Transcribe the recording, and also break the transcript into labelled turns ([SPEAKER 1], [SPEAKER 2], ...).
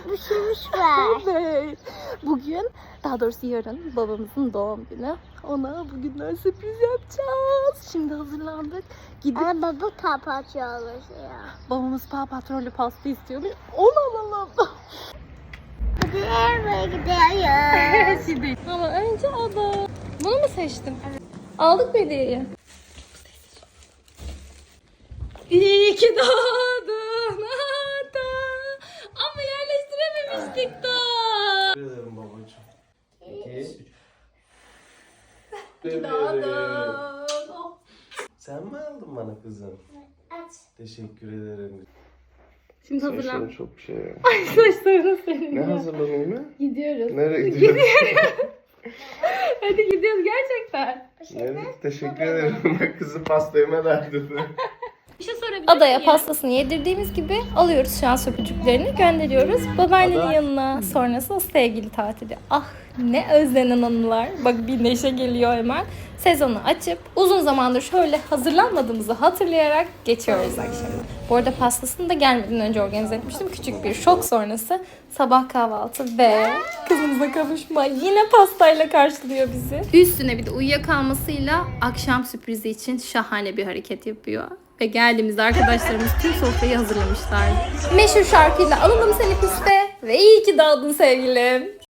[SPEAKER 1] pişirmiş ver.
[SPEAKER 2] Evet. Bugün, daha doğrusu yarın babamızın doğum günü. Ona bugünden sürpriz yapacağız. Şimdi hazırlandık. Gidip
[SPEAKER 1] Ama baba papatya ya.
[SPEAKER 2] babamız papatrolü pasta istiyormuş. Onu alalım.
[SPEAKER 1] Hadi eve gidiyoruz.
[SPEAKER 2] Şimdi. Ama önce ada. Bunu mu seçtim? Evet. Aldık mı hediyeyi? İyi ki doğdun ada. Ama yerleştirememiştik daha.
[SPEAKER 3] Teşekkür ederim babacığım. 2, 3.
[SPEAKER 2] Doğdun. Oh.
[SPEAKER 3] Sen mi aldın bana kızım?
[SPEAKER 1] Aç.
[SPEAKER 3] Teşekkür ederim.
[SPEAKER 2] Şimdi
[SPEAKER 3] Saçların
[SPEAKER 2] hazırlan.
[SPEAKER 3] çok şey ya.
[SPEAKER 2] Ay saçlarını senin.
[SPEAKER 3] Ne
[SPEAKER 2] ya.
[SPEAKER 3] hazırlanayım mı?
[SPEAKER 2] Gidiyoruz.
[SPEAKER 3] Nereye gidiyorsun?
[SPEAKER 2] Hadi gidiyoruz gerçekten.
[SPEAKER 3] Nereye? Teşekkür ederim. Bak kızı pasta yeme derdinde.
[SPEAKER 2] Bir şey sorabilir Adaya pastasını yedirdiğimiz gibi alıyoruz şu an söpücüklerini gönderiyoruz babaannenin
[SPEAKER 3] Ada.
[SPEAKER 2] yanına. Sonrası o sevgili tatili. Ah ne özlenen anılar. Bak bir neşe geliyor hemen. Sezonu açıp uzun zamandır şöyle hazırlanmadığımızı hatırlayarak geçiyoruz akşamı. Bu arada pastasını da gelmeden önce organize etmiştim. Küçük bir şok sonrası sabah kahvaltı ve kızımızla kavuşma yine pastayla karşılıyor bizi. Üstüne bir de uyuyakalmasıyla akşam sürprizi için şahane bir hareket yapıyor. Ve geldiğimizde arkadaşlarımız tüm sofrayı hazırlamışlardı. Meşhur şarkıyla alalım seni piste ve iyi ki doğdun sevgilim.